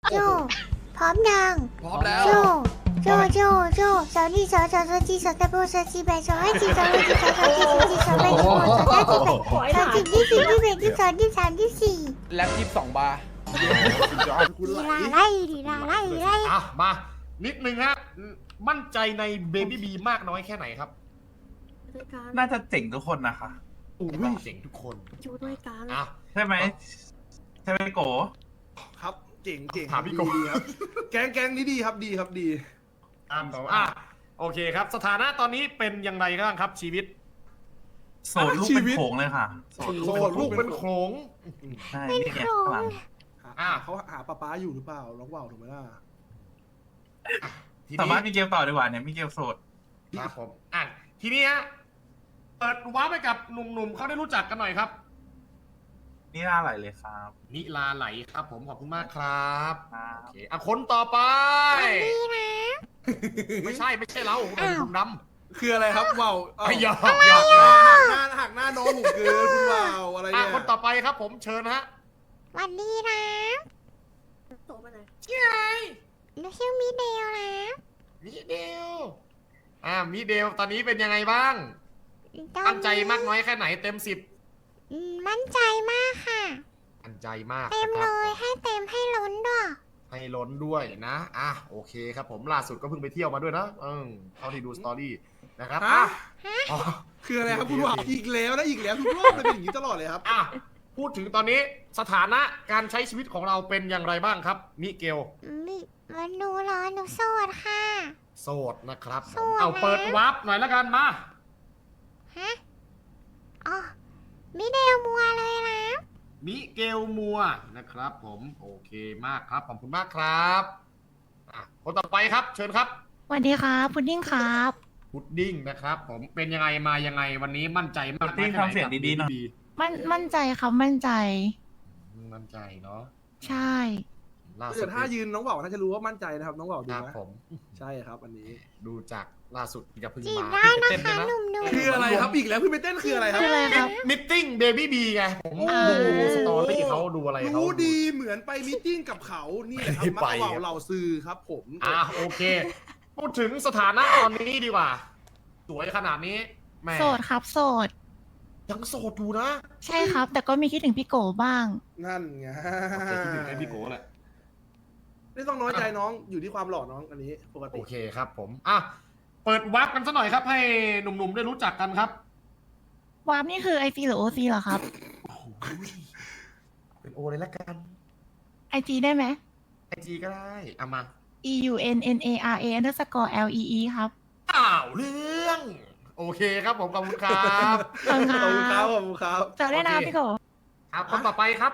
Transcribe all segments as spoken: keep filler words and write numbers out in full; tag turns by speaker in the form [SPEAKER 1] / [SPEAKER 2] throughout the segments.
[SPEAKER 1] โจพร้อมยัง
[SPEAKER 2] พร้อมแล้ว
[SPEAKER 1] โจโจโจโจสาวนี่สาวสาวสาวจีสาวตะโบสาวจีแบสาวให้จีสาวให้จีสาวสาวจีสาวจีสาวแบสาวสาวจีแบสาวจีที่สี่ที่แบที่สองที่สามที่สี่
[SPEAKER 2] แล็บยี่สิบสองบาร์
[SPEAKER 3] คุณ
[SPEAKER 1] ดี
[SPEAKER 3] ไหล
[SPEAKER 1] ลาไล่ดีลาไล่ไล่
[SPEAKER 4] อ่ะมา นิดนึงฮะ มั่นใจในเบบี้บีมากน้อยแค่ไหนครับ
[SPEAKER 5] ด้วยกัน
[SPEAKER 6] น่าจะเจ๋งทุกคนนะคะ
[SPEAKER 4] อุ้ยเจ๋งทุกคน
[SPEAKER 5] อยู่ด้วยกัน
[SPEAKER 4] อ่ะ
[SPEAKER 6] ใช่ไหมใช่ไหมโก
[SPEAKER 3] ครับเจ๋งเจ๋ง
[SPEAKER 4] ถามพี่โก
[SPEAKER 3] ดีครับ แกงแกงนี้ดีครับดีครับดี
[SPEAKER 4] อ่ะอ่ะโอเคครับ สถานะตอนนี้เป็นอย่างไรบ้างครับชีวิต
[SPEAKER 6] โสดลูกเป็นโขงเลยค่ะ
[SPEAKER 3] โสด
[SPEAKER 4] โสดลูกเป็นโขลง
[SPEAKER 6] ใช่นี่ไงข้างหลัง
[SPEAKER 3] อ่าเขาหาป้าป้าอยู่หรือเปล่าน้องว่าวถูกไหมล่ะ
[SPEAKER 4] ที
[SPEAKER 6] สา
[SPEAKER 4] นี้
[SPEAKER 6] มารถมีเกลต่อดีกว่าเนี่ยมีเกลโสด
[SPEAKER 4] ครับผม อ่ะ ทีนี้ฮะ เปิดว้าร์ปไปกับหนุ่มๆเขาได้รู้จักกันหน่อยครับ
[SPEAKER 6] นี่น่าไหลเลยครับ
[SPEAKER 4] นิลาไหลครับผมขอบคุณมากครับ
[SPEAKER 6] ครับ
[SPEAKER 4] โอเคอ่ะคนต่อไป
[SPEAKER 1] ดีนะ
[SPEAKER 4] ไม่ใช่ไม่ใช่เราเราคุณดำ
[SPEAKER 3] คืออะไรครับว่าวเอ้า
[SPEAKER 4] ไอ้หยอกหยอก
[SPEAKER 3] หน้าหักหน้าน้องผมเกินคุณว่าวอะไร
[SPEAKER 4] อ่ะ
[SPEAKER 3] เนี่ย
[SPEAKER 4] คนต่อไปครับผมเชิญฮะ
[SPEAKER 1] วันดีนะ
[SPEAKER 5] โตไปไหน
[SPEAKER 4] ชื่ออะไร
[SPEAKER 1] หนูชื่อมิเดลนะ
[SPEAKER 4] มิเดลอ่ามิเดลตอนนี้เป็นยังไงบ้าง
[SPEAKER 1] ตอน
[SPEAKER 4] มั่นใจมากน้อยแค่ไหนเต็มสิบ
[SPEAKER 1] อืมมั่นใจมากค่ะ
[SPEAKER 4] มั่นใจมาก
[SPEAKER 1] เต็ม
[SPEAKER 4] นะค
[SPEAKER 1] เล
[SPEAKER 4] รับ
[SPEAKER 1] ยให้เต็มให้ล้นด้วย
[SPEAKER 4] ให้ล้นด้วยนะอ่ะโอเคครับผมล่าสุดก็เพิ่งไปเที่ยวมาด้วยนะเออเท่าที่ดูสตอรี่นะครับ
[SPEAKER 3] ฮะ
[SPEAKER 4] อ่ะอ๋อ
[SPEAKER 3] คืออะไรครับคุณว่าวอีกแล้วนะอีกแล้วทุกรอบเลยเป็นอย่างนี้ตลอดเลยครับ
[SPEAKER 4] อ่ะพูดถึงตอนนี้สถานะการใช้ชีวิตของเราเป็นอย่างไรบ้างครับมิเกล
[SPEAKER 1] มิมันหนูเหรอหนูโสดค่ะ
[SPEAKER 4] โสดนะครับผ
[SPEAKER 1] โส
[SPEAKER 4] ม
[SPEAKER 1] ด
[SPEAKER 4] เอา
[SPEAKER 1] นะ
[SPEAKER 4] เปิดวาร์ปหน่อยแล้วกันมา
[SPEAKER 1] ฮะอ๋อมิเดลมัวเลยนะ
[SPEAKER 4] มิเกลมัวนะครับผมโอเคมากครับขอบคุณมากครับอ่ะคนต่อไปครับ เชิญครับ
[SPEAKER 7] สวัสดีครับพุดดิ้งครับ
[SPEAKER 4] พุดดิ้งนะครับผมเป็นยังไงมายังไงวันนี้มั่นใจมาก
[SPEAKER 6] พุดดิ้ง
[SPEAKER 4] น้อแค่ไหน
[SPEAKER 6] ทำเสียงดีๆหน่อย
[SPEAKER 7] มั่นมั่นใจครับมั่นใจ
[SPEAKER 4] มั่นใจเนาะ
[SPEAKER 7] ใช่
[SPEAKER 4] ล่าสุ
[SPEAKER 3] เกิ
[SPEAKER 4] ด
[SPEAKER 3] ดถ้ายืนน้องว่าวน่าจะรู้ว่ามั่นใจนะครับน้องว่าว
[SPEAKER 4] ค
[SPEAKER 3] ดู
[SPEAKER 4] รับ
[SPEAKER 3] นะ
[SPEAKER 4] ผม
[SPEAKER 3] ใช่ครับอันนี้
[SPEAKER 4] ดูจากล่าสุดจะเพิ่ง
[SPEAKER 1] จีบ
[SPEAKER 4] มา
[SPEAKER 1] ได้นะ
[SPEAKER 4] เต้น
[SPEAKER 1] คะ
[SPEAKER 4] ด้วย
[SPEAKER 1] หนุ่มหนุ่ม
[SPEAKER 3] คืออะไรครับอีกแล้วเพิ่งไปเต้นคืออะไรครับ
[SPEAKER 7] คืออะไรครับ
[SPEAKER 4] มิทติ้งเบบี้บีไงผม
[SPEAKER 7] อ่า
[SPEAKER 4] ดูสตอรี่เขาดูอะไรเขา
[SPEAKER 3] รู้ดีเหมือนไปมีตติ้งกับเขานี่แหละครับ
[SPEAKER 4] ไม่
[SPEAKER 3] มั
[SPEAKER 4] ไป
[SPEAKER 3] กว่าวเหล่าซื้อครับผม
[SPEAKER 4] อ่ะโอเค พูดถึงสถานะตอนนี้ดีกว่า สวยขนาดนี้แหม่
[SPEAKER 7] โสดครับโสด
[SPEAKER 4] ยังโสดอยู่นะ
[SPEAKER 7] ใช่ครับ แต่ก็มีคิดถึงพี่โกบ้าง
[SPEAKER 3] นั่นไง
[SPEAKER 4] โอเคคิดถึงไอ้พี่โก้แหละ
[SPEAKER 3] ไม่ต้องน้อยใจน้องอยู่ที่ความหล่อน้องอันนี้ปก
[SPEAKER 4] โอ
[SPEAKER 3] ติ
[SPEAKER 4] เคครับผมอ่ะเปิดวับกันสักหน่อยครับ ให้หนุ่มๆได้รู้จักกันครับ
[SPEAKER 7] วาร์ปนี่คือไอซีหรือโอซีเหรอครับ
[SPEAKER 4] โอ้โหเป็นโอเลยละกัน
[SPEAKER 7] ไอจีได้ไหม
[SPEAKER 4] ไอจีก็ได้เอามา
[SPEAKER 7] e u n n a r a underscore l e e ครับ
[SPEAKER 4] อ้าวเรื่อง โอเคครับผมขอบคุณครับ
[SPEAKER 7] ขอบคุณ
[SPEAKER 3] ขอบคุณค
[SPEAKER 7] ค
[SPEAKER 3] รั
[SPEAKER 7] รั
[SPEAKER 3] บบ ขอบคุณครับ
[SPEAKER 7] เจอได้นะ
[SPEAKER 4] โอเค
[SPEAKER 7] พี่โก
[SPEAKER 4] ครับคนต่อไปครับ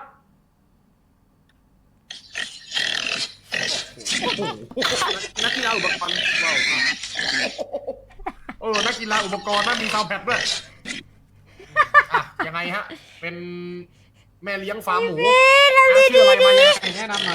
[SPEAKER 4] โอ้โห
[SPEAKER 3] นักกีฬาอุปกรณ์ว้าว
[SPEAKER 4] เออนักกีฬาอุปกรณ์น่ามีซาวด์แพดด้วยอ่ะยังไงฮะ เป็นแม่เลี้ยงฟาร์มหมูอ่ะชื่ออะไรมายังไงแนะนำหน่อย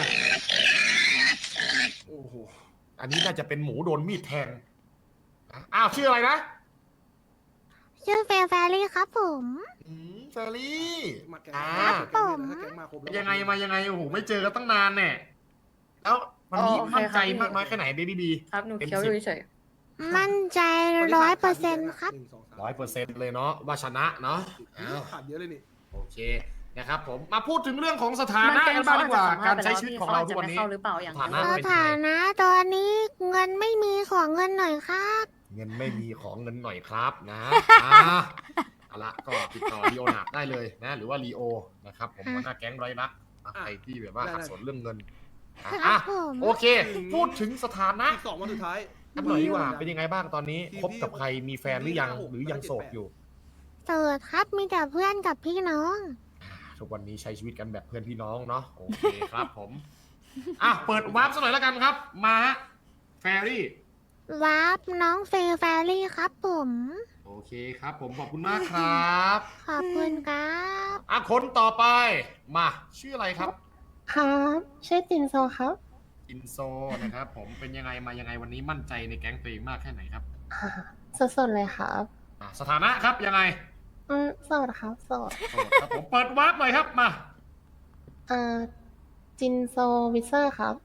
[SPEAKER 3] โอ้โห
[SPEAKER 4] อันนี้น่าจะเป็นหมูโดนมีดแทงอ่ะอ้าวชื่ออะไรนะ
[SPEAKER 1] ชื่อเฟรแฟรี่ครับผม
[SPEAKER 4] อืมเฟรรี่
[SPEAKER 3] มาแกง
[SPEAKER 4] อ่า
[SPEAKER 3] แกงแกงมาครบแล้ว
[SPEAKER 4] ยังไงมายังไงโอ้โหไม่เจอกันตั้งนานเนี่ยแล้ววันนี้
[SPEAKER 8] อ๋อโอเค
[SPEAKER 4] มั่นใจ
[SPEAKER 8] ครับ
[SPEAKER 4] มากน้อยแค่ไหนเบบี้บี
[SPEAKER 8] ครับ หนู
[SPEAKER 4] เต็ม
[SPEAKER 8] เคี้ยว
[SPEAKER 4] สิ
[SPEAKER 8] อบ ยู่เฉย
[SPEAKER 1] มั่นใจร้อยเปอร์เซ็นต์ครับ
[SPEAKER 3] หนึ่งสงสาม
[SPEAKER 4] ร้อยเปอร์เซ็นต์เลยเนาะว่าชนะเนาะอ้าว
[SPEAKER 3] ขาดเยอะเลยนี่
[SPEAKER 4] โอเคนะครับผมมาพูดถึงเรื่องของสถา
[SPEAKER 8] มัน
[SPEAKER 4] นะ
[SPEAKER 8] เป็น
[SPEAKER 4] กัน
[SPEAKER 8] เขา
[SPEAKER 4] บ้างดี
[SPEAKER 8] อาจ
[SPEAKER 4] ก
[SPEAKER 8] จะ
[SPEAKER 4] ว่า
[SPEAKER 8] สัมภาษ
[SPEAKER 4] การ
[SPEAKER 8] ณ์ไป
[SPEAKER 4] ใช้
[SPEAKER 8] แล้ว
[SPEAKER 4] ชีวิต
[SPEAKER 8] ที่
[SPEAKER 4] ของ
[SPEAKER 8] เขา
[SPEAKER 4] เรา
[SPEAKER 8] อาจ
[SPEAKER 4] ทุ
[SPEAKER 8] จะ
[SPEAKER 4] กวัน
[SPEAKER 8] ไม่
[SPEAKER 4] นี้
[SPEAKER 8] เข้าหรือเปล่าอย่าง
[SPEAKER 4] ฐา
[SPEAKER 8] นั้
[SPEAKER 4] นะ
[SPEAKER 8] น
[SPEAKER 1] สถานะตอนนี้เงินไม่มีของเงินหน่อยครับ
[SPEAKER 4] เงินไม่มีของเงินหน่อยครับนะอ่าเอาละก็ติดต่อลีโอนาร์ดได้เลยนะหรือว่าลีโอนะครับผมหัวหน้าแก๊งไรรักอ่ะใครที่แบบว่าขัดสนเรื่องเงินอ่ะ
[SPEAKER 1] ครั
[SPEAKER 4] อ่ะ
[SPEAKER 1] บผม
[SPEAKER 4] โอเค พูดถึงสถานะ
[SPEAKER 3] อีกสองวันสุดท้าย
[SPEAKER 4] กันหน่อยดีกว่า เป็นยังไงบ้างตอนนี้คบกับใครมีแฟนหรือยังหรือยังโสดอยู่
[SPEAKER 1] โสดครับมีแต่เพื่อนกับพี่น้อง
[SPEAKER 4] ทุกวันนี้ใช้ชีวิตกันแบบเพื่อนพี่น้องเนาะโอเคครับผมอ่ะเปิดวาร์ปสักหน่อยแล้วกันครับ มาฮะแฟรี่
[SPEAKER 1] วาร์ปน้องเฟรแฟรี่ครับผม
[SPEAKER 4] โอเคครับ ผมขอบคุณมากครับ
[SPEAKER 1] ขอบคุณครับ
[SPEAKER 4] อ่ะคนต่อไปมาชื่ออะไรครับ
[SPEAKER 8] ครับชื่อจินโซครับ
[SPEAKER 4] อินโซนะครับ ผมเป็นยังไงมายังไงวันนี้มั่นใจในแก๊งตัวเองมากแค่ไหนครับ
[SPEAKER 8] สดๆเลยครับ
[SPEAKER 4] อ่ะสถานะครับยังไง
[SPEAKER 8] อืมโสดครับโสด
[SPEAKER 4] โสดครับผมเปิดวาร์ปหน่อยครับมา
[SPEAKER 8] อ่าจินโซวิเซอร์ครับ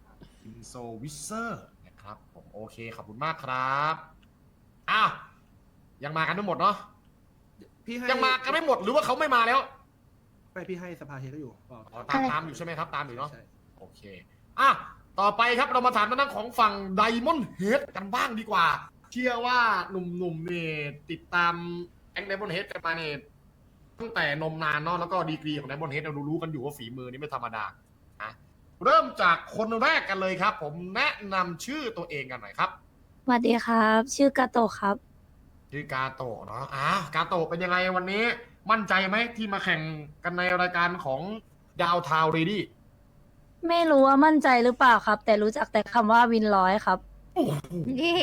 [SPEAKER 4] อินโซวิเซอร์นะครับผมโอเคขอบคุณมากครับอ้าวยังมากันไม่หมดเนาะ
[SPEAKER 3] พี่ให้
[SPEAKER 4] ยังมากันไม่หมดหรือว่าเขาไม่มาแล้ว
[SPEAKER 3] ไม่พี่ให้สภาเฮก็อยู่บอก
[SPEAKER 4] อ๋อตามตามอยู่ใช่ไหมครับตามอยู่เนาะ
[SPEAKER 3] ใช่
[SPEAKER 4] โอเคอ่ะต่อไปครับเรามาถามทางด้านของฝั่งไดมอนด์เฮดกันบ้างดีกว่า เชื่อว่าหนุ่มๆเนี่ยติดตามแองไดมอนด์เฮดกันมาเนี่ยตั้งแต่นมนานเนาะแล้วก็ดีกรีของไดมอนด์เฮดเรารู้ๆกันอยู่ว่าฝีมือนี่ไม่ธรรมดาอ่ะเริ่มจากคนแรกกันเลยครับ ผมแนะนำชื่อตัวเองกันหน่อยครับ
[SPEAKER 2] สวัสดีครับ ชื่อกาโตะครับ
[SPEAKER 4] ชื่อกาโตะเนาะอ่ะกาโตะเป็นยังไงวันนี้มั่นใจไหมที่มาแข่งกันในรายการของดาวทาวเรดี้
[SPEAKER 2] ไม่รู้ว่ามั่นใจหรือเปล่าครับ แต่รู้จักแต่คำว่าวินร้อยครับ
[SPEAKER 1] เย้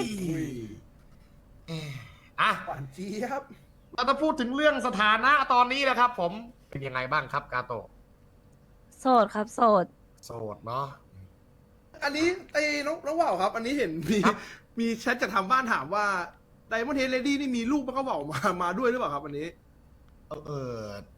[SPEAKER 4] อ่ะ
[SPEAKER 3] หวานเจี๊ยบ
[SPEAKER 4] เราจะพูดถึงเรื่องสถานะตอนนี้นะครับ ผมเป็นยังไงบ้างครับกาโตะ
[SPEAKER 2] โสดครับ โสด
[SPEAKER 4] โสดเนาะ
[SPEAKER 3] อันนี้ไอ้น้องน้องว่าวครับ อันนี้เห็นมี
[SPEAKER 4] ครับ
[SPEAKER 3] มีแชทจากทางบ้านถามว่าไดมอนด์เฮดเลดี้นี่มีลูกมันก็ว่าวมามาด้วยหรือเปล่าครับอันนี้
[SPEAKER 4] เออเออ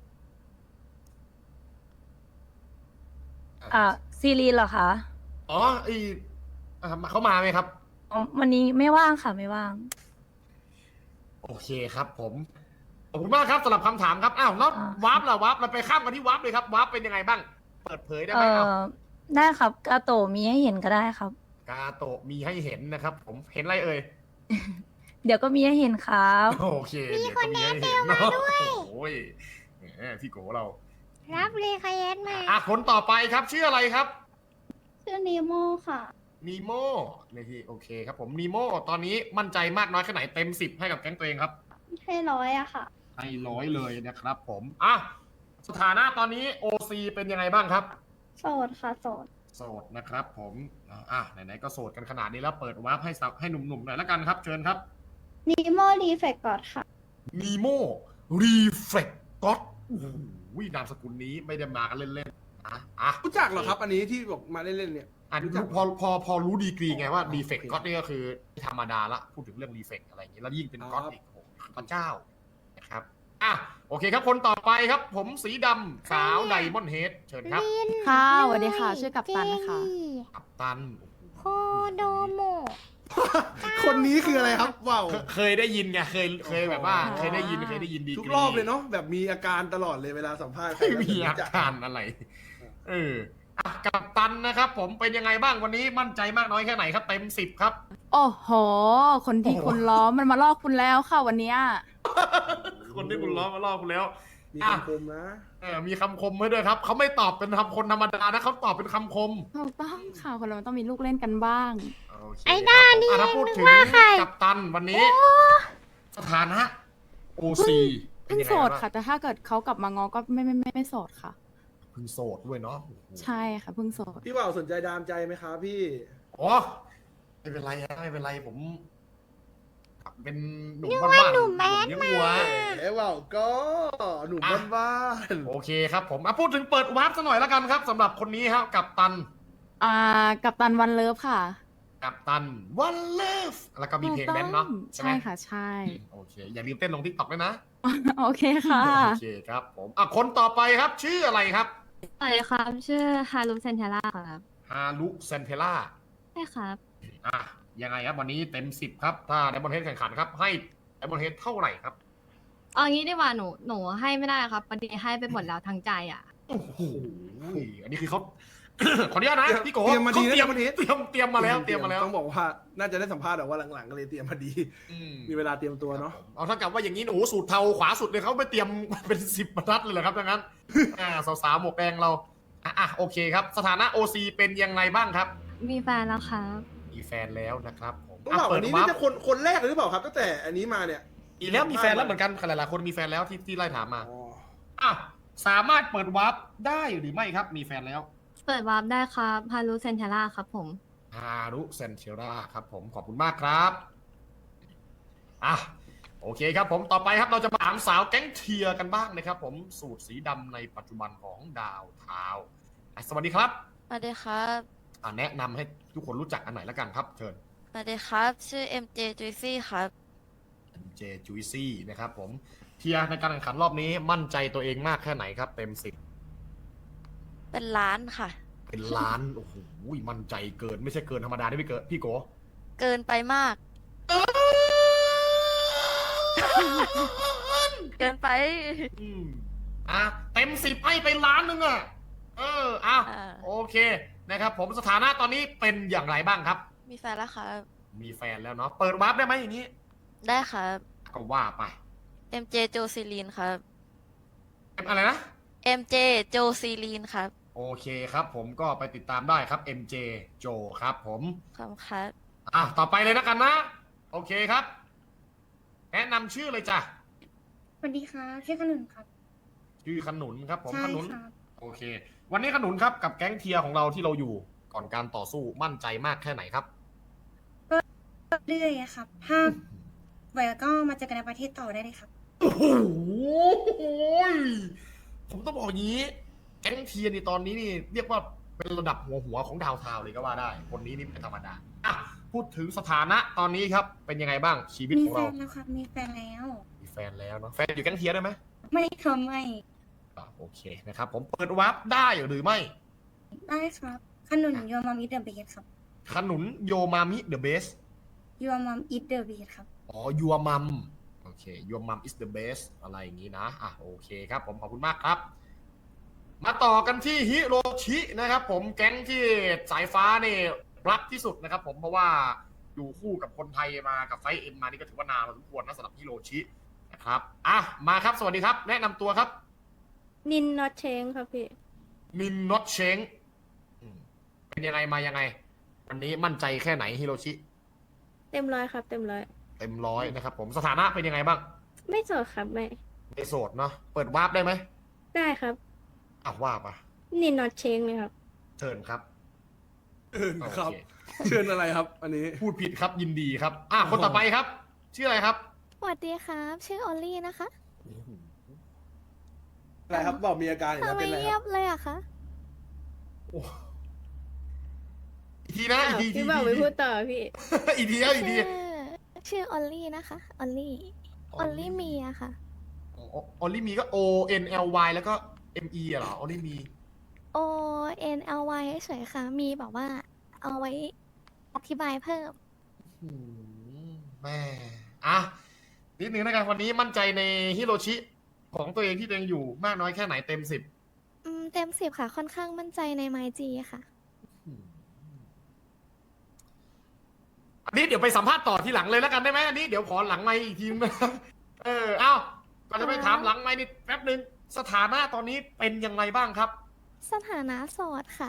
[SPEAKER 2] อ่ะซีรีส์เหรอคะ
[SPEAKER 4] อ๋อไออ่ะเขามาไหมครับ
[SPEAKER 2] อ๋อวันนี้ไม่ว่างค่ะไม่ว่าง
[SPEAKER 4] โอเคครับ ผมขอบคุณมากครับสำหรับคำถามครับอ้าวแล้ว
[SPEAKER 2] อ่า
[SPEAKER 4] วาร์ปล่ะวาร์ปเราไปข้ามกันที่วาร์ปเลยครับวาร์ปเป็นยังไงบ้าง เปิดเผยได้
[SPEAKER 2] เอ
[SPEAKER 4] ไหมเอา
[SPEAKER 2] อได้ครับกาโตะมีให้เห็นก็ได้ครับ
[SPEAKER 4] กาโตะมีให้เห็นนะครับ ผมเห็นอะไรเอ่ย
[SPEAKER 2] เดี๋ยวก็มีให้เห็นครับ
[SPEAKER 4] โอเคมีคนแนะนำมาด้วยโอ้ยแหมพี่โกเรา
[SPEAKER 1] รับเลยค่ะแอดมา
[SPEAKER 4] อ่ะคนต่อไปครับชื่ออะไรครับ
[SPEAKER 5] ชื่อนีโมค่ะ
[SPEAKER 4] นีโมนี่ที่โอเคครับผมนีโมตอนนี้มั่นใจมากน้อยแค่ไหนเต็มสิบให้กับแก๊งตัวเองครับ
[SPEAKER 5] ให้ร้อยอะค่ะ
[SPEAKER 4] ให้ร้อยเลยนะครับผมอ่ะสถานะตอนนี้ โอ ซี เป็นยังไงบ้างครับ
[SPEAKER 5] โสดค่ะ โสด
[SPEAKER 4] โสดนะครับผมอ่ะอ่ะไหนๆก็โสดกันขนาดนี้แล้วเปิดวาร์ปให้สาวให้หนุ่มๆหน่อยแล้วกันครับเชิญครับ
[SPEAKER 5] นีโมรีเฟกก่อนค่ะ
[SPEAKER 4] นีโมรีเฟล็กก็อดนามสกุลนี้ไม่ได้มากันเล่นๆอ่ะอ่ะ
[SPEAKER 3] รู้จักเหรอครับ อันนี้ที่บอกมาเล่นๆเนี่ย
[SPEAKER 4] อัน
[SPEAKER 3] รู้จัก
[SPEAKER 4] พอพอพอรู้ดีกรีไงว่าดีเฟกต์ก็อดนี่ก็คือธรรมดาละพูดถึงเรื่องดีเฟกต์อะไรอย่างนี้แล้วยิ่งเป็นก็อดอีกโอ้โหพระเจ้านะครับอ่ะโอเคครับคนต่อไปครับ ผมสีดำสาวไดมอนด์เฮดเชิญครับ
[SPEAKER 7] ค่ะสวัสดีค่ะ ชื่อกัปตันนะคะ
[SPEAKER 4] กัปตัน
[SPEAKER 1] โคโดโม
[SPEAKER 3] คนนี้คืออะไรครับว่าว
[SPEAKER 4] เคเคยได้ยินไงเคยเคยแบบว่า เคยได้ยินเคยได้ยินดีกรี
[SPEAKER 3] ทุกรอบเลยเนาะแบบมีอาการตลอดเลยเวลาสัมภาษณ์ใคร
[SPEAKER 4] ไม่มีอาการอะไร เอออ่ะกัปตันนะครับ ผมเป็นยังไงบ้างวันนี้มั่นใจมากน้อยแค่ไหนครับเต็มสิบครับ
[SPEAKER 7] โอ้โห คนที่คุณล้อมมันมาลอกคุณแล้วค่ะวันเนี้ย
[SPEAKER 4] คนที่คุณล้อมาล่อคุณแล้ว
[SPEAKER 3] มี
[SPEAKER 4] อ่ะ
[SPEAKER 3] คำคมนะ
[SPEAKER 4] เออมีคำคมไว้ด้วยครับเขาไม่ตอบเป็นคำคนธรรมดานะเขาตอบเป็นคำคม
[SPEAKER 7] ถูกต้องค่ะคนเรามันต้องมีลูกเล่นกันบ้าง
[SPEAKER 4] โอเค
[SPEAKER 1] ไอ้ด้านี่
[SPEAKER 4] ครับผมอ่ะถ้าพูดถึง
[SPEAKER 1] นึกว่าใคร
[SPEAKER 4] กัปตันวันนี้ สถานะโอซี
[SPEAKER 7] เพิ่งโสดค่ะ แต่ถ้าเกิดเขากลับมางอก็ไม่ไม่ไม่ไม่โสดค่ะ
[SPEAKER 4] เพิ่งโสดด้วยเนาะโอ้โห
[SPEAKER 7] ใช่ค่ะเพิ่งโสด
[SPEAKER 3] พี่ว่าวสนใจดามใจไหมครับพี่
[SPEAKER 4] อ๋อไม่เป็นไรฮะไม่เป็นไรผม เป็นหนุ่มบ้านๆ
[SPEAKER 1] หนุ่มแบด
[SPEAKER 4] เลี้ยงวัว
[SPEAKER 3] เอ๋ว่าวก็หนุ่ม
[SPEAKER 4] อ่ะ
[SPEAKER 3] บ้าน
[SPEAKER 4] โอเคครับผมอ่ะพูดถึงเปิดวาร์ปซะหน่อยแล้วกันครับสำหรับคนนี้ครับกัปตัน
[SPEAKER 7] อ่า กับตันวันเลิฟค่ะ
[SPEAKER 4] กัปตันวันเลิฟแล้วก็มีเพลงแดนซ์เนาะใช่ไหม
[SPEAKER 7] ใช่ค่ะ ใช่
[SPEAKER 4] โอเค อย่าลืมเต้นลงทิกตอกด้วยนะ
[SPEAKER 7] โอเคค่ะ
[SPEAKER 4] โอเคครับผมอ่ะคนต่อไปครับ ชื่ออะไรครับ
[SPEAKER 2] สวัสดีครับ ชื่อฮารุเซนเทล่าครับ
[SPEAKER 4] ฮารุเซนเทล่า
[SPEAKER 2] ใช่ครับ
[SPEAKER 4] อ่ะยังไงครับวันนี้เต็มสิบครับ ถ้าไดมอนเฮดแข่งขันครับ ให้ไดมอนเฮดเท่าไหร่ครับ
[SPEAKER 2] เอางี้ดีกว่าหนูหนูให้ไม่ได้ครับพอดีให้ไปหมดแล้วทั้งใจอ่ะ
[SPEAKER 4] โอ้โหอันนี้คือเขา ขออนุญาตนะพี่โก
[SPEAKER 3] เตรียมมาดี
[SPEAKER 4] เขา
[SPEAKER 3] นะ
[SPEAKER 4] เตรียม
[SPEAKER 3] วันนี้
[SPEAKER 4] เตรียมเตรียมมาแล้วเตรียมมาแล้ว
[SPEAKER 3] ต้องบอกว่าน่าจะได้สัมภาษณ์แต่ว่าหลังๆก็เลยเตรียมมาดี
[SPEAKER 4] อืม
[SPEAKER 3] มีเวลาเตรียมตัวเนาะ
[SPEAKER 4] เอาถ้ากับว่าอย่างนี้โอ้โหสูตรเทาขวาสุดเลยเขาไปเตรียม เป็นสิบบรรทัดเลยเหรอครับดังนั้น อ่าสาวๆหมวกแดงเราอ่ะอ่ะโอเคครับ สถานะ โอ ซี เป็นยังไงบ้างครับ
[SPEAKER 2] มีแฟนแล้วครับ
[SPEAKER 4] มีแฟนแล้วนะครับผม
[SPEAKER 3] ต้องบอก
[SPEAKER 4] เปิ
[SPEAKER 3] อั
[SPEAKER 4] ด
[SPEAKER 3] นนี้
[SPEAKER 4] วา
[SPEAKER 3] นี่
[SPEAKER 4] ร์ป
[SPEAKER 3] จะคนคนแรกเลยหรือเปล่าครับตั้งแต่อันนี้มาเนี่ย
[SPEAKER 4] อีกแล้วมีแฟนแล้วเหมือนกันหลายๆคนมีแฟนแล้วที่ที่ไล่ถามมา
[SPEAKER 3] อ๋อ
[SPEAKER 4] อ่ะสามารถเปิดวาร์ปได้หรือไม่ครับ มีแฟนแล้ว
[SPEAKER 2] เปิดวาร์ปได้ครับฮารุเซนเทล่าครับผม
[SPEAKER 4] ฮารุเซนเทราครับผมขอบคุณมากครับอ่ะโอเคครับผมต่อไปครับเราจะมาถามสาวแก๊งเทียร์กันบ้างนะครับ ผมสูตรสีดำในปัจจุบันของดาวเทาวน์อ่ะสวัสดีครับ
[SPEAKER 9] สวัสดีครับ
[SPEAKER 4] อ่ะแนะนำให้ทุกคนรู้จักอันไหนแล้วกันครับ เชิญ
[SPEAKER 9] สวัสดีครับ ชื่อ เอ็ม เจ Juicy ครับ
[SPEAKER 4] เจจูซี่นะครับผมเทียร์ในการแข่งขันรอบนี้มั่นใจตัวเองมากแค่ไหนครับ เต็มสิบ
[SPEAKER 9] เป็นล้านค่ะ
[SPEAKER 4] เป็นล้านโอ้โหมั่นใจเกินไม่ใช่เกินธรรมดาได้ไม่เกินพี่โก
[SPEAKER 9] เกินไปมาก เกินไป
[SPEAKER 4] อืมอ่ะเต็มสิบให้ไปล้านหนึงอ่ะเอออ่ะ
[SPEAKER 9] อ่า
[SPEAKER 4] โอเคนะครับ ผมสถานะตอนนี้เป็นอย่างไรบ้างครับ
[SPEAKER 9] มีแฟนแล้วครับ
[SPEAKER 4] มีแฟนแล้วเนาะเปิดวาร์ปได้ไหมอย่างนี้
[SPEAKER 9] ได้ครับ
[SPEAKER 4] ก็ว่าไป
[SPEAKER 9] เอ็ม เจ โจซีลีนครับ
[SPEAKER 4] เป็นอะไรนะ
[SPEAKER 9] เอ็ม เจ โจซีลีนครับ
[SPEAKER 4] โอเคครับผมก็ไปติดตามได้ครับ เอ็ม เจ โจครับผม
[SPEAKER 9] ขอบคุณครับ
[SPEAKER 4] อ่ะต่อไปเลยนะกันนะ โอเคครับ แนะนำชื่อเลยจ้ะ
[SPEAKER 8] สวัสดีค่ะชื่อขนุนครับ
[SPEAKER 4] ชื่อขนุนครับผม
[SPEAKER 8] ใช่
[SPEAKER 4] ขนุน
[SPEAKER 8] ครับ
[SPEAKER 4] โอเค วันนี้ขนุนครับกับแก๊งเทียร์ของเราที่เราอยู่ก่อนการต่อสู้มั่นใจมากแค่ไหนครับ
[SPEAKER 8] เรื่อยๆอะครับ ถ้าไหวก็มาเจอกันในประเทศต่อได้เลยครับ
[SPEAKER 4] โอ้โหผมต้องบอกอย่างนี้ แก๊งเทียร์นี่ตอนนี้นี่เรียกว่าเป็นระดับหัวหัวของดาวเทาวน์เลยก็ว่าได้ คนนี้นี่ไม่ธรรมดาอ่ะพูดถึงสถานะตอนนี้ครับเป็นยังไงบ้างชีวิต
[SPEAKER 8] มี
[SPEAKER 4] ของ
[SPEAKER 8] แฟ
[SPEAKER 4] เรา
[SPEAKER 8] นแล้วครับ มีแฟนแล้ว
[SPEAKER 4] มีแฟนแล้วเนาะแฟนอยู่แก๊งเทียร์ได้ไหม
[SPEAKER 8] ไม่ทำไม่
[SPEAKER 4] อ่ะโอเคนะครับ ผมเปิดวาร์ปได้หรือไม่
[SPEAKER 8] ได้ครับ ขนุนยูมัมอิทเดอะเบสครับ
[SPEAKER 4] ขนุนโยมามิเดอะเบส
[SPEAKER 8] ยูมัมอิทเดอะเบสครับ
[SPEAKER 4] อ๋อ your mom โอเค your mom is the best อะไรอย่างนี้นะ อ่ะ โอเคครับผม ขอบคุณมากครับ มาต่อกันที่ฮิโรชินะครับผม แก๊งที่สายฟ้าเนี่ยรักที่สุดนะครับผม เพราะว่าอยู่คู่กับคนไทยมากับไฟเอ็มมานี่ก็ถือว่านานพอสมควรนะสำหรับฮิโรชินะครับ อ่ะ มาครับ สวัสดีครับ แนะนำตัวครับ
[SPEAKER 5] นินนอตเชงครับพี่
[SPEAKER 4] มินนอตเชงอืมเป็นยังไงมายังไง วันนี้มั่นใจแค่ไหนฮิโรชิ
[SPEAKER 5] เต็มร้อยครับ เต็มร้อย
[SPEAKER 4] เต็มร้อยนะครับผม สถานะเป็นยังไงบ้าง
[SPEAKER 5] ไม่โสดครับไม่
[SPEAKER 4] ไม่โสดเนาะ เปิดวาร์ปได้ไหม
[SPEAKER 5] ได้ครับ
[SPEAKER 4] อ่ะว่ามา
[SPEAKER 5] นินนอตเชงเลยครับ
[SPEAKER 4] เชิญครับ
[SPEAKER 3] เชิญครับ
[SPEAKER 4] โอเค
[SPEAKER 3] เชิญอะไรครับ อันนี้
[SPEAKER 4] พูดผิดครับยินดีครับ อ่ะคนต่อไปครับ ชื่ออะไรครับ
[SPEAKER 1] สวัสดีครับ ชื่อออลลี่นะคะ
[SPEAKER 3] อะไรครับบอกมีอาการอย่าง
[SPEAKER 1] ทำ
[SPEAKER 3] นั้น
[SPEAKER 1] ไม
[SPEAKER 3] เป็นอะไร
[SPEAKER 1] เงี
[SPEAKER 3] ค
[SPEAKER 1] ย
[SPEAKER 3] รั
[SPEAKER 1] บบ เลยอะคะ
[SPEAKER 4] โอ้อีกทีนะอีกที
[SPEAKER 5] พี่บอกไม่พูดต่อพี่
[SPEAKER 4] อีกทีครับอีกที
[SPEAKER 1] ชื่อชื่อออลลี่นะคะ ออลลี่ ออลลี่มีอะค่ะ
[SPEAKER 4] ออลลี่มีก็ O N L Y แล้วก็ M E อะเหรอออลลี่มี
[SPEAKER 1] O N L Y เฉยๆค่ะ มีแบบว่า เอาไว้อธิบายเพิ่ม
[SPEAKER 4] หืมแม่อ่ะนิดนึงนะครับวันนี้มั่นใจในฮิโรชิของตัวเองที่ตัวเองอยู่มากน้อยแค่ไหนเต็มสิบ
[SPEAKER 1] อืม เต็มสิบค่ะ ค่อนข้างมั่นใจในไมจีค่ะ
[SPEAKER 4] อันนี้เดี๋ยวไปสัมภาษณ์ต่อทีหลังเลยแล้วกันได้ไหมอันนี้เดี๋ยวขอหลังไมค์อีกทีนึงนะเออเอ้าก่อนจะไปถามหลังไมค์นิดแป๊บนึงสถานะตอนนี้เป็นยังไงบ้างครับ
[SPEAKER 1] สถานะโสดค่ะ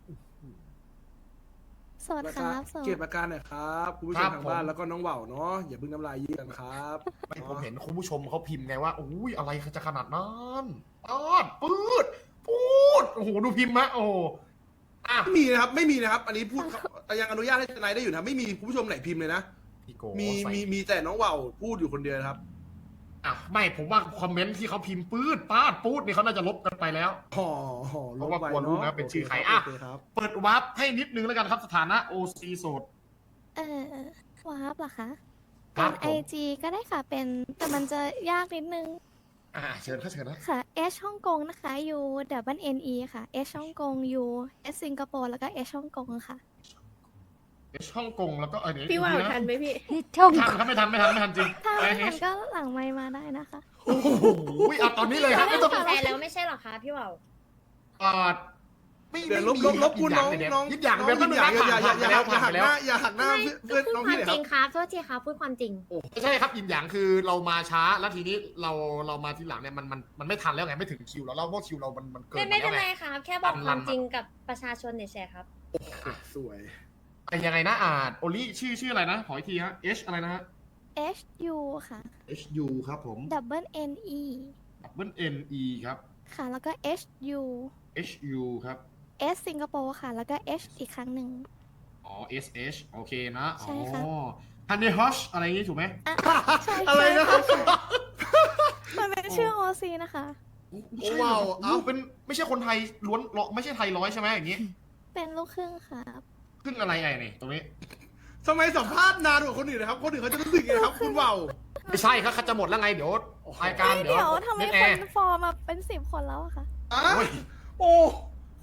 [SPEAKER 1] โสดครับโสด
[SPEAKER 3] เก็บอาการหน่อยครับคุณผู้ช
[SPEAKER 4] ครั
[SPEAKER 3] ม
[SPEAKER 4] บ
[SPEAKER 3] ทางบ้าน
[SPEAKER 4] ผม
[SPEAKER 3] แล้วก็น้องเหว่าเนาะอย่าเพิ่งน้ำลายยืดกันครับ
[SPEAKER 4] ไม่ผมเห็นคุณผู้ชมเขาพิมพ์ไงว่าอุ้ยอะไรจะขนาดนั้นปอดปืดปูดโอ้โหดูพิมพ์มะโอ้โหอ่ะ
[SPEAKER 3] ไม่มีนะครับ ไม่มีนะครับ อันนี้พูดแต่ยังอนุญาตให้ทนายได้อยู่นะไม่มีคุณผู้ชมไหนพิมพ์เลยนะ
[SPEAKER 4] พี่โก
[SPEAKER 3] มี
[SPEAKER 4] ใส่
[SPEAKER 3] มีมีแต่น้องเหว่าพูดอยู่คนเดียวนะครับ
[SPEAKER 4] อ่ะไม่ผมว่าคอมเมนต์ที่เขาพิมพ์ปืดปาดปูดนี่เขาน่าจะลบกันไปแล้ว
[SPEAKER 3] ห่อห่อ
[SPEAKER 4] เพราะว่ากลัวรู้นะเป็นชื่อใครอ่ะ
[SPEAKER 3] โเคครับ
[SPEAKER 4] เปิดวาร์ปให้นิดนึงแล้วกันครับสถานะโอซีโสด
[SPEAKER 1] เออวาร์ปเหรอคะ
[SPEAKER 4] ครั
[SPEAKER 1] เป็
[SPEAKER 4] บ
[SPEAKER 1] น
[SPEAKER 4] ผม
[SPEAKER 1] ไอจีก็ได้ค่ะ เป็น แต่มันจะยากนิดนึง
[SPEAKER 4] อ่าเชิญครับเชิญนะ
[SPEAKER 1] ค่ะ H ฮ่องกงนะคะ U W N E ค่ะ H ฮ่องกง U S สิงคโปร์แล้วก็ H ฮ่องกงค่ะ
[SPEAKER 4] เอชฮ่องกงแล้วก็เออเดี๋ยว
[SPEAKER 5] พี่ว่าว
[SPEAKER 4] ดูะ
[SPEAKER 5] ทันไหมพี่
[SPEAKER 1] ช่อง
[SPEAKER 4] ทันครับไม่ทันไม่ทันไม่ทันจริง
[SPEAKER 1] ถ้า
[SPEAKER 4] ไอ
[SPEAKER 1] ไม่
[SPEAKER 4] เอ
[SPEAKER 1] ทัน
[SPEAKER 4] ช
[SPEAKER 1] ก็หลังไมค์มาได้นะคะ
[SPEAKER 4] โอ้โหอ่ะตอนนี้เลยครับไม่ต้อง
[SPEAKER 5] แฟนแล้วไม่ใช่หรอคะพี่ว่าว
[SPEAKER 4] อ่าไม่
[SPEAKER 3] เดี๋ยวล
[SPEAKER 4] ไม่
[SPEAKER 3] บ
[SPEAKER 4] มี
[SPEAKER 3] ลบลบคุณน้อง
[SPEAKER 4] ยิ
[SPEAKER 3] น้อง
[SPEAKER 4] ยิบอย่าง
[SPEAKER 3] น้
[SPEAKER 4] เดียว
[SPEAKER 3] อง
[SPEAKER 4] ก็
[SPEAKER 3] ยิบอย่างอย่าอย่าอย่าอย่า
[SPEAKER 4] ผ่าน
[SPEAKER 3] หัก
[SPEAKER 4] ไป
[SPEAKER 3] ห
[SPEAKER 4] แล้ว
[SPEAKER 3] น้าอย่าหักหน้าเพื่อนน้องพี่หน่อยครับ
[SPEAKER 5] ครับโทษทีครับพูดความจริง
[SPEAKER 4] ไม่ใช่ครับยินอย่างคือเรามาช้าแล้วทีนี้เราเรามาทีหลังเนี่ยมันมันมันไม่ทันแล้วไงไม่ถึงคิวแล้วเราเพราะคิวเรามันมันเกิน
[SPEAKER 5] ไม่
[SPEAKER 4] ไป
[SPEAKER 5] ไม่
[SPEAKER 4] แล้
[SPEAKER 5] เป็
[SPEAKER 4] วน ไง
[SPEAKER 5] ไรครับ แค่บอกความจริงกับประชาชนเฉยๆครับ
[SPEAKER 3] สวย
[SPEAKER 4] ไอ้ยังไงนะอ่าโอลี่ชื่อชื่ออะไรนะขออีกทีฮะ H อะไรนะฮะ
[SPEAKER 1] H U ค่ะ
[SPEAKER 4] H U ครับผม
[SPEAKER 1] W N E
[SPEAKER 4] Double N E ครับ
[SPEAKER 1] ค่ะ แล้วก็ H U
[SPEAKER 4] H U ครับ
[SPEAKER 1] S สิงคโปร์ค่ะ แล้วก็ H อีกครั้งหนึ่ง
[SPEAKER 4] อ๋อ S H โอเคนะ
[SPEAKER 1] ใช่ครับ
[SPEAKER 4] อ๋อฮันนี่ฮอชอะไรอย่างงี้ถูกไหม
[SPEAKER 1] อ่ะใช่
[SPEAKER 3] อะไรนะ
[SPEAKER 1] ใช่ค่ะมันเป็นชื่อ โอ ซี นะคะ
[SPEAKER 4] โอ้ว้าวเอ้าเป็นไม่ใช่คนไทยล้วนหรอกไม่ใช่ไทยร้อยใช่ไหมอย่างงี้
[SPEAKER 1] เป็นลูกครึ่งครับ
[SPEAKER 4] ครึ่งอะไรไอ้นี่ตรงนี้
[SPEAKER 3] ทำไมสัมภาษณ์นานกว่าคนอื่นนะครับ คนอื่นเขาจะรู้สึกยังไงครับคุณเหว่า
[SPEAKER 4] ไม่ใช่ครับเขาจะหมดแล้วไงเดี๋ยวรายการ
[SPEAKER 1] เฮ้ย
[SPEAKER 4] เดี๋ยว
[SPEAKER 1] เดี๋ยวทำไม
[SPEAKER 4] เน็ต
[SPEAKER 1] ค
[SPEAKER 4] แอร์
[SPEAKER 1] นฟอร์มมาเป็นสิบคนแล้วอะคะ
[SPEAKER 3] อ่ะ
[SPEAKER 4] โอ้ย
[SPEAKER 3] โอ้ค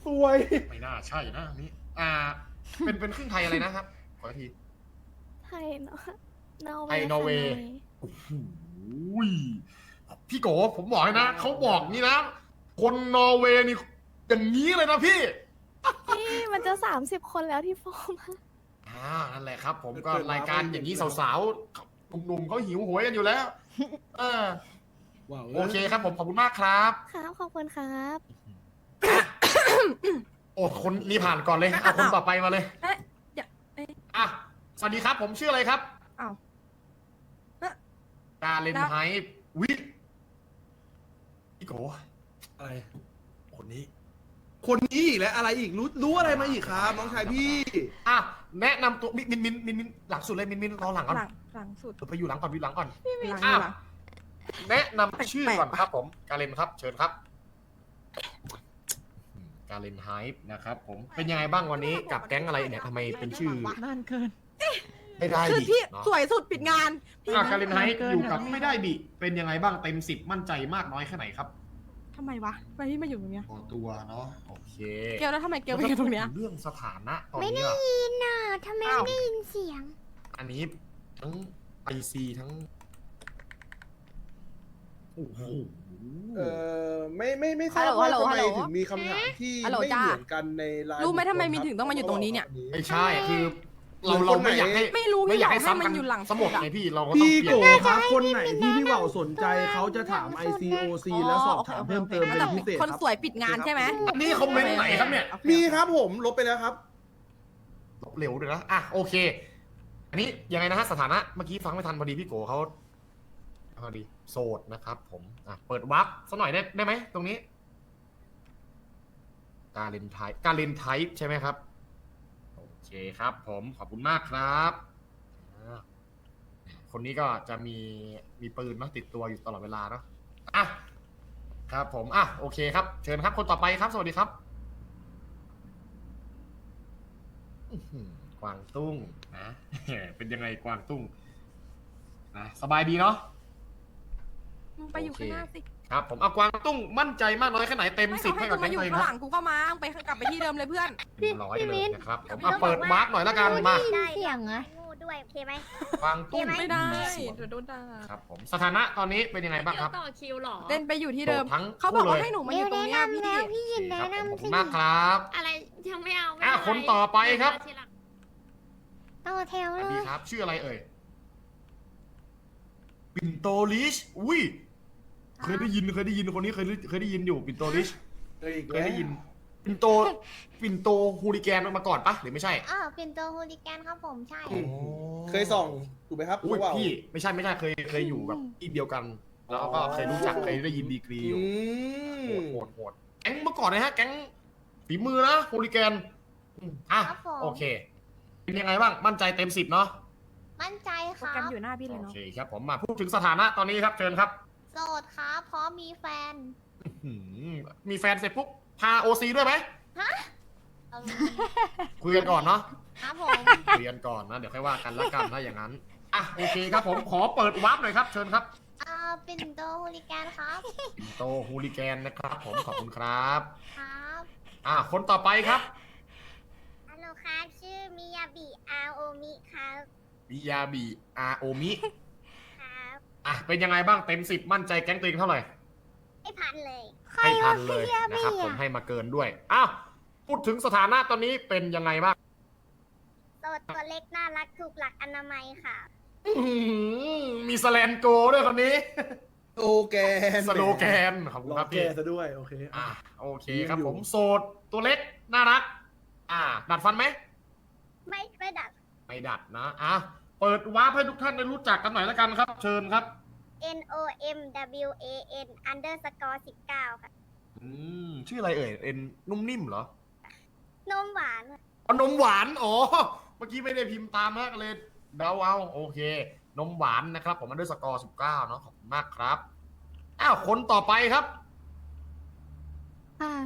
[SPEAKER 3] สวย
[SPEAKER 4] ไม่น่าใช่นะอันนี้ อ่า เป็นเป็นครึ่งไทยอะไรนะครับ ขออีกที
[SPEAKER 9] ไทยเนาะนอร์เว
[SPEAKER 4] ไทย
[SPEAKER 9] ย์
[SPEAKER 4] นอร์เวย์
[SPEAKER 9] ค่ะ
[SPEAKER 4] โอ้โหพี่โกผมบอกเลยนะ เขาบอกนี่นะ คนนอร์เวย์นี่อย่างนี้เลยนะพี่
[SPEAKER 9] พี่มันจะสามสิบคนแล้วที่โฟมอะ
[SPEAKER 4] อ่า นั่นแหละครับ ผมก็รายการอย่างนี้สาวๆ หนุ่มๆเขาหิวโหวยกันอยู่แล้ว เออ
[SPEAKER 3] ว้าว
[SPEAKER 4] โอเคครับผมขอบคุณมากครับ
[SPEAKER 9] ครับ ขอบคุณครับ
[SPEAKER 4] โอ้คนนี้ผ่านก่อนเลย เอาคนต่อไปมาเลย
[SPEAKER 8] เอ๊ะเดี๋ยวเอ๊ะ
[SPEAKER 4] อ่ะ สวัสดีครับ ผมชื่ออะไรครับ
[SPEAKER 8] อ้าวเอ๊ะ
[SPEAKER 4] ดาเลนไฮวิพี่โก
[SPEAKER 3] อะไร
[SPEAKER 4] คนนี้
[SPEAKER 3] คนนี้อีกแล้วอะไรอีกรู้รู้อะไรมาอีกครับน้องชายพี่
[SPEAKER 4] อ่ะ แนะนำตัวมินมินมินมินมินหลังสุดเลยมินมินรอหลังก่อน
[SPEAKER 8] หลังหลังสุด
[SPEAKER 4] เดี๋ยวไปอยู่หลังก่อนอยู่หลังก่อน
[SPEAKER 8] หลัง
[SPEAKER 4] อ้าว
[SPEAKER 8] หลัง
[SPEAKER 4] แนะนำชื่อก่อนครับผม กาเลนครับ เชิญครับ กาเลนไฮป์นะครับผม เป็นยังไงบ้างวันนี้กับแก๊งอะไรเนี่ยทำไมเป็นชื่อ
[SPEAKER 7] นานเกิน
[SPEAKER 4] ไม่ได้
[SPEAKER 8] คือ
[SPEAKER 4] ดิ
[SPEAKER 8] พี่
[SPEAKER 4] เนาะ
[SPEAKER 8] สวยสุดปิดงาน
[SPEAKER 4] อ่ะกาเลนไฮป์
[SPEAKER 7] เกิน
[SPEAKER 4] อยู่กับ
[SPEAKER 7] เกิน
[SPEAKER 4] ไม่ได้บิ เป็นยังไงบ้างเต็มสิบมั่นใจมากน้อยแค่ไหนครับ
[SPEAKER 8] ทำไมวะทำไมพี่มาอยู่ตรงเนี้ย
[SPEAKER 4] พอตัวเนาะ โอเค
[SPEAKER 8] เกลแล้วทำไมเกลไปอยู่ตรงเนี้ย
[SPEAKER 4] เรื่องสถานะตอน
[SPEAKER 1] ไม่
[SPEAKER 4] นี้
[SPEAKER 1] ได้
[SPEAKER 4] อะ
[SPEAKER 1] ยินน่ะทำไม
[SPEAKER 4] อ้าว
[SPEAKER 1] ไม่ได้ยินเสียง
[SPEAKER 4] อันนี้ทั้งไอซีทั้ง โอ้โห
[SPEAKER 3] เออไม่ไม่ไม่ทราบ
[SPEAKER 8] ฮั
[SPEAKER 3] ว่า
[SPEAKER 8] ลโหล
[SPEAKER 3] ทำไม
[SPEAKER 8] ฮัลโหล
[SPEAKER 3] ถึงมีคำถามที่
[SPEAKER 8] ฮัลโหล
[SPEAKER 3] ไม่
[SPEAKER 8] จ้า
[SPEAKER 3] เหมือนกันในไลน์
[SPEAKER 8] รู้ไหมทำไม
[SPEAKER 3] บุคคล
[SPEAKER 8] มีถึงต้องมาอยู่ตรงนี้เนี่ย
[SPEAKER 4] ไม่ใช่ คือเราเราไม่อยากให้
[SPEAKER 8] ไม่รู้
[SPEAKER 4] ไม่อยากให้
[SPEAKER 8] พี่บอกให้
[SPEAKER 4] ซ้ำ
[SPEAKER 8] มั
[SPEAKER 4] กัน
[SPEAKER 8] นอยู่หลัง
[SPEAKER 4] สมด
[SPEAKER 8] สุดอะ
[SPEAKER 4] ไงพี่ เราก็ต้อง
[SPEAKER 3] พี่
[SPEAKER 4] เป
[SPEAKER 3] โก
[SPEAKER 4] ลี่ยน
[SPEAKER 3] ครับคนไหนที่พี่เหว่าสนใจเขาจะถาม ไอ ซี โอ ซี แล้วสอบถามเพิ่มเติมเป็นพิเศษ
[SPEAKER 8] คน
[SPEAKER 3] ครับ
[SPEAKER 8] สวยปิดงานใช่ไหม
[SPEAKER 4] อันนี้คอมเมนต์ไหนครับเนี่ย
[SPEAKER 8] โอเค
[SPEAKER 3] มีครับผมลบไปแล้วครับ
[SPEAKER 4] ลบเร็วด้วยนะ อ่ะ โอเค อันนี้ยังไงนะฮะสถานะ เมื่อกี้ฟังไม่ทันพอดีพี่โกเขาพอดีโสดนะครับผม อ่ะ เปิดวับสักหน่อยได้ได้ไหมตรงนี้ การเล่นไทป์การเล่นไทป์ใช่ไหมครับ โอเคครับผมขอบคุณมากครับอ่าคนนี้ก็จะมีมีปืนเนอะติดตัวอยู่ตลอดเวลาเนาะอ่ะครับผมอ่ะโอเคครับ เชิญครับคนต่อไปครับ สวัสดีครับอื้อหือกวางตุ้งนะ เป็นยังไงกวางตุ้งนะสบายดีเนาะ
[SPEAKER 8] มึงไปอยู่ข้างหน้าสิ
[SPEAKER 4] ครับผมเอากวางตุ้งมั่นใจมากน้อยแค่ไหนเต็ม
[SPEAKER 8] ไม่
[SPEAKER 4] สิบ
[SPEAKER 8] เขาให้
[SPEAKER 4] ให้
[SPEAKER 8] กู
[SPEAKER 4] กับ
[SPEAKER 8] มา
[SPEAKER 4] แก๊ง
[SPEAKER 8] อยู่
[SPEAKER 4] ตัวเอง
[SPEAKER 8] ข้าง
[SPEAKER 4] ค
[SPEAKER 8] ห
[SPEAKER 4] รั
[SPEAKER 8] ลังกูก็มาไปกลับไปที่เดิมเลยเพื่อน
[SPEAKER 4] บร้อยเลยนะครับผมเอาเปิดวาร์ปหน่อยละกันมา
[SPEAKER 1] ได้เสียงอะงูด้วยโอเคไหม
[SPEAKER 4] กวางตุ้ง
[SPEAKER 8] ไม่ได้
[SPEAKER 4] สวน
[SPEAKER 8] เดี๋ยวโดนด่า
[SPEAKER 4] ครับผมสถานะตอนนี้เป็นยังไงบ้างครับ
[SPEAKER 5] ต่อคิวหรอ
[SPEAKER 8] เล่นไปอยู่ที่เดิม
[SPEAKER 4] โสดทั้ง
[SPEAKER 8] เขาบอกว่า
[SPEAKER 4] คู่เลย
[SPEAKER 8] ให้หนูมาอ
[SPEAKER 1] เดี๋ยว
[SPEAKER 8] ยู่ตรง
[SPEAKER 1] แนะ
[SPEAKER 8] เนี้ย
[SPEAKER 1] นำแล้ว
[SPEAKER 8] พี่
[SPEAKER 1] พี่ยิน
[SPEAKER 4] ค
[SPEAKER 1] แนะ
[SPEAKER 4] รับผมขอบ
[SPEAKER 1] นำ
[SPEAKER 4] คุ
[SPEAKER 1] สิ
[SPEAKER 4] ณมากครับ
[SPEAKER 5] อะไรยังไม่เอาไม่
[SPEAKER 4] อ่ะ
[SPEAKER 5] เา
[SPEAKER 4] คนต่อไปครับ
[SPEAKER 5] ทีหลัง
[SPEAKER 1] ต่อแถว
[SPEAKER 4] ส
[SPEAKER 1] เล
[SPEAKER 4] วัสดี
[SPEAKER 1] ย
[SPEAKER 4] ครับ ชื่ออะไรเอ่ยปิ่นโตลิชอุ้ยเคยได้ยินเคยได้ยินคนนี้เคยได้เคยได้ยินอยู่ปิ่นโตลิช
[SPEAKER 3] เอออีก
[SPEAKER 4] เค
[SPEAKER 3] แล้
[SPEAKER 4] ยว ได้ยินปิ่นโตปิ่นโตฮูลิแกนมาก่อนปะหรือไม่ใช่
[SPEAKER 1] อ้าวเป็นตัวฮูลิแกนครับผมใช่
[SPEAKER 3] เคยส่องถูกไหมครับ
[SPEAKER 4] อุ้ย
[SPEAKER 3] รู้เปล่า
[SPEAKER 4] พี่ไม่ใช่ไม่ใช่เคยเคยอยู่แบบที่เดียวกัน แล้วก็เคยรู้จักเคยได้ยินดีกรีอยู่
[SPEAKER 3] อื
[SPEAKER 4] โห
[SPEAKER 3] ม
[SPEAKER 4] ดโหดโหดแก๊งเมื่อก่อนนะฮะแก๊งฝีมือนะฮูลิแกนอืมอ่ะ
[SPEAKER 1] ครับผม
[SPEAKER 4] โอเค เป็นยังไงบ้างมั่นใจเต็มสิบเนาะ
[SPEAKER 1] มั่นใจค
[SPEAKER 8] โปร
[SPEAKER 1] รั
[SPEAKER 8] แกรม
[SPEAKER 1] บ
[SPEAKER 8] อยู่หน้าพี่เลย
[SPEAKER 4] โอ
[SPEAKER 8] เนาะ
[SPEAKER 4] เคครับผมมาพูดถึงสถานะตอนนี้ครับเชิญครับ
[SPEAKER 1] โสดครับพร้อมมีแฟน
[SPEAKER 4] หืมมีแฟนเสร็จปุ๊บพาโอซีด้วยไหม
[SPEAKER 1] เอา
[SPEAKER 4] คุยกันก่อนเนาะ
[SPEAKER 1] ครับผม
[SPEAKER 4] คุยกันก่อนนะเดี๋ยวค่อยว่ากันละกันถ้าอย่างนั้นอ่ะโอเคครับผมขอเปิดวาร์ปหน่อยครับเชิญครับ
[SPEAKER 1] อ่าเป็นตัวฮูลิแกนครับ
[SPEAKER 4] ปิ่นโตฮูลิแกนนะครับผมขอบคุณครับ
[SPEAKER 1] ครับ
[SPEAKER 4] อ่ะคนต่อไปครับ
[SPEAKER 1] ฮัลโหลครับชื่อมิยาบิอาโอมิครับ
[SPEAKER 4] มิยาบิอาโอมิ
[SPEAKER 1] ครับ
[SPEAKER 4] อ่ะเป็นยังไงบ้างเต็มสิบมั่นใจแก๊งตัวเองเท่าไหร่
[SPEAKER 1] ไม่พันเลย
[SPEAKER 4] ให้พันเลยนะครับผมให้มาเกินด้วยอ้าวพูดถึงสถานะตอนนี้เป็นยังไงบ้าง
[SPEAKER 1] โสดตัวเล็กน่ารักถูกหลักอนามัยค่ะ
[SPEAKER 4] อื้อหือมีสแลนโกด้วยคนนี้
[SPEAKER 3] โอแกน
[SPEAKER 4] สโลแกนขอบคุณ
[SPEAKER 3] รอ
[SPEAKER 4] ครับ
[SPEAKER 3] แก
[SPEAKER 4] พี่
[SPEAKER 3] ซะด้วยโอเค
[SPEAKER 4] อ่ะ
[SPEAKER 3] อ่ะ
[SPEAKER 4] โอเคครับ
[SPEAKER 3] อยู่
[SPEAKER 4] ผมโสดตัวเล็กน่ารัก อ่า ดัดฟันไหม
[SPEAKER 1] ไม่ไม่ดัด
[SPEAKER 4] ไม่ดัดนะอ่ะเปิดวาร์ปให้ทุกท่านได้รู้จักกันหน่อยแล้วกันครับ เชิญครับ
[SPEAKER 1] N O M W A N underscore สิบเก้าค่ะ
[SPEAKER 4] อืมชื่ออะไรเอ่ยเอ็นนุ่มนิ่มเหรอน
[SPEAKER 1] มหวาน
[SPEAKER 4] อ๋อนมหวานอ๋อเมื่อกี้ไม่ได้พิมพ์ตามนะก็เลยเดาเอาโอเค นมหวานนะครับ ผมมันด้วยสกอร์สิบเก้าเนาะขอบคุณมากครับอ้าวคนต่อไปครับ
[SPEAKER 9] ค่ะ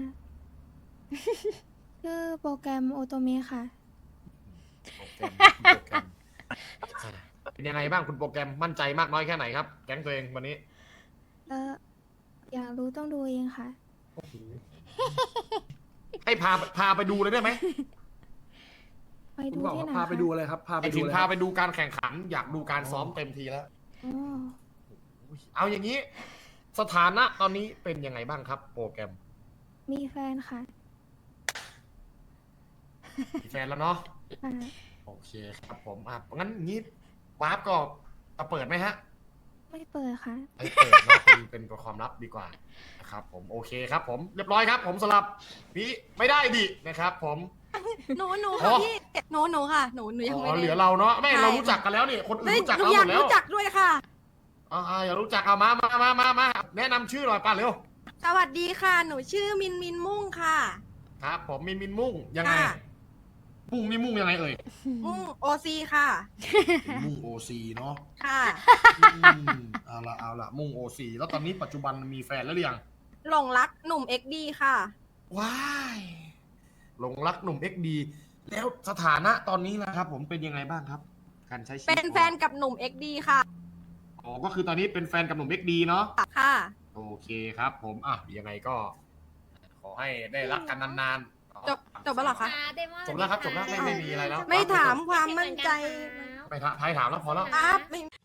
[SPEAKER 9] ชื่อโปรแกรมโอโตเมค่ะ
[SPEAKER 4] โปรแกรมโปรแกรมเป็นยังไงบ้างคุณโปรแกรมมั่นใจมากน้อยแค่ไหนครับแก๊งตัวเองวันนี้
[SPEAKER 9] เอออยากรู้ต้องดูเองค่ะ
[SPEAKER 4] ให้พาพาไปดูเลยได้ไหม
[SPEAKER 9] ไป
[SPEAKER 3] คุณ
[SPEAKER 9] ดู
[SPEAKER 3] บอก
[SPEAKER 9] ที่
[SPEAKER 3] ว่า
[SPEAKER 9] ไหน
[SPEAKER 3] พาไป
[SPEAKER 9] คะ
[SPEAKER 3] ดูอะไรครับ พา
[SPEAKER 4] ไป
[SPEAKER 3] ไปดู
[SPEAKER 4] ถึง
[SPEAKER 3] อะไร
[SPEAKER 4] พา
[SPEAKER 3] ครับ
[SPEAKER 4] ไปดูการแข่งขัน อยากดูการซ้อมเต็มทีแล้ว
[SPEAKER 9] อ๋อ
[SPEAKER 4] เอาอย่างนี้ สถานะตอนนี้เป็นยังไงบ้างครับ โปรแกรม
[SPEAKER 9] มีแฟนค่ะ
[SPEAKER 4] มีแฟนแล้วเนาะ
[SPEAKER 9] อ่า
[SPEAKER 4] โอเคครับผมอ่ะงั้นงี้วาร์ปก็จะเปิดไหมฮะ
[SPEAKER 9] ไม่เปิดค่ะ
[SPEAKER 4] ไอ้เปิดเนาะเป็นเป็นความลับดีกว่านะครับผมโอเคครับผมเรียบร้อยครับ ผมสำหรับพี่ไม่ได้ดินะครับ ผม
[SPEAKER 10] หนูหนู
[SPEAKER 4] อ๋
[SPEAKER 10] ค่ะ
[SPEAKER 4] อ
[SPEAKER 10] พี่หนูหนูค่ะหนูหนูยัง
[SPEAKER 4] อ๋
[SPEAKER 10] ไม่
[SPEAKER 4] อ
[SPEAKER 10] ได้
[SPEAKER 4] เหลือเราเนาะไม่
[SPEAKER 10] ใช่
[SPEAKER 4] เรารู้จักกันแล้วนี่คนอื่น
[SPEAKER 10] เฮ้ย
[SPEAKER 4] รู้จัก
[SPEAKER 10] หนู
[SPEAKER 4] เรา
[SPEAKER 10] อ
[SPEAKER 4] ห
[SPEAKER 10] ยาม ก
[SPEAKER 4] ดแล้ว
[SPEAKER 10] รู้จักด้วยค่ะ
[SPEAKER 4] อ่าอย่ารู้จักเอามามามามามาแนะนำชื่อหน่อยป่ะเร็ว
[SPEAKER 10] สวัสดีค่ะ หนูชื่อมินมินมุ่งค่ะ
[SPEAKER 4] ครับผมมินมินมุ่งยังไง
[SPEAKER 10] ค่ะ
[SPEAKER 4] มุ่งนี่มุ่งยังไงเอ่ย
[SPEAKER 10] มุ่งโอซีค่ะ
[SPEAKER 4] มุ่งโอซีเนาะ
[SPEAKER 10] ค่ะ
[SPEAKER 4] อืมเอาละเอาละมุ่งโอซีแล้วตอนนี้ปัจจุบันมีแฟนแล้วหรือยัง
[SPEAKER 10] หลงรักหนุ่มเอ็กดีค่ะ
[SPEAKER 4] ว้ายหลงรักหนุ่มเอ็กดีแล้วสถานะตอนนี้นะครับ ผมเป็นยังไงบ้างครับ การใช้ชีวิต
[SPEAKER 10] เป็นแฟนกับหนุ่มเอ็กดีค่ะ
[SPEAKER 4] อ๋อก็คือตอนนี้เป็นแฟนกับหนุ่มเอ็กดีเนาะ
[SPEAKER 10] ค่ะ
[SPEAKER 4] โอเคครับ ผมอ่ะยังไงก็ ขอให้ได้รักกันนานๆ
[SPEAKER 10] จบจบแล้วเหรอคะ
[SPEAKER 5] เดมอน
[SPEAKER 4] จบแล้วครับจบแล้วไม่ไม่มีอะไรแล้ว
[SPEAKER 10] ไม่ถามความมั่นใจ
[SPEAKER 4] ไปถามใครถามแล้วพอแล้ว
[SPEAKER 10] ครับไม่